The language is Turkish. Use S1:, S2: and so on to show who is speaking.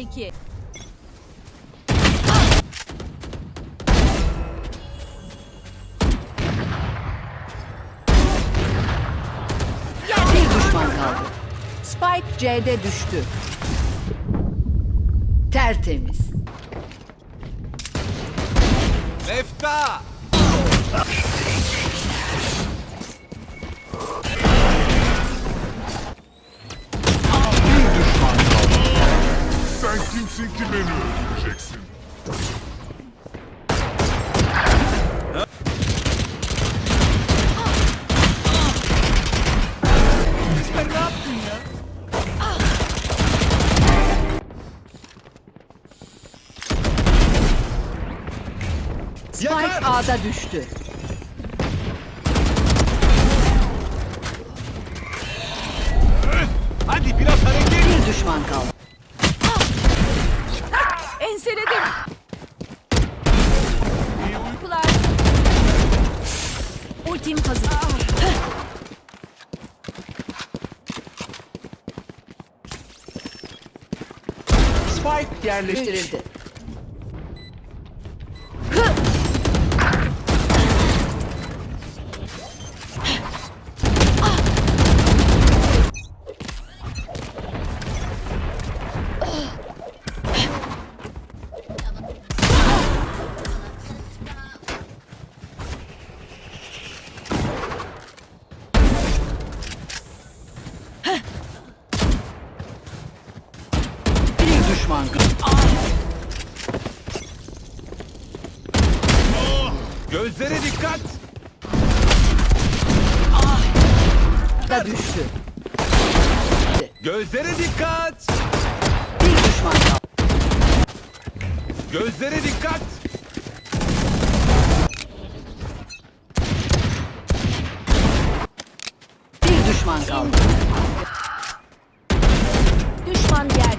S1: 2.
S2: Bir düşman kaldı. Spike C'de düştü. Tertemiz.
S3: Mefta!
S4: Sen kimsin ki beni öldüreceksin?
S3: Sen ne yaptın ya?
S2: Spike
S3: Yakar!
S2: A'da düştü.
S3: Hadi biraz hareket!
S2: Bir düşman kaldı.
S1: Enseledim. İyi uykular. Ultim hazır.
S3: Spike
S2: Yerleştirildi. Bir düşman kaldı.
S3: Gözlere dikkat!
S2: Da düştü.
S3: Gözlere dikkat!
S2: Bir düşman kaldı.
S3: Gözlere dikkat!
S2: Bir düşman kaldı.
S1: Düşman yerde.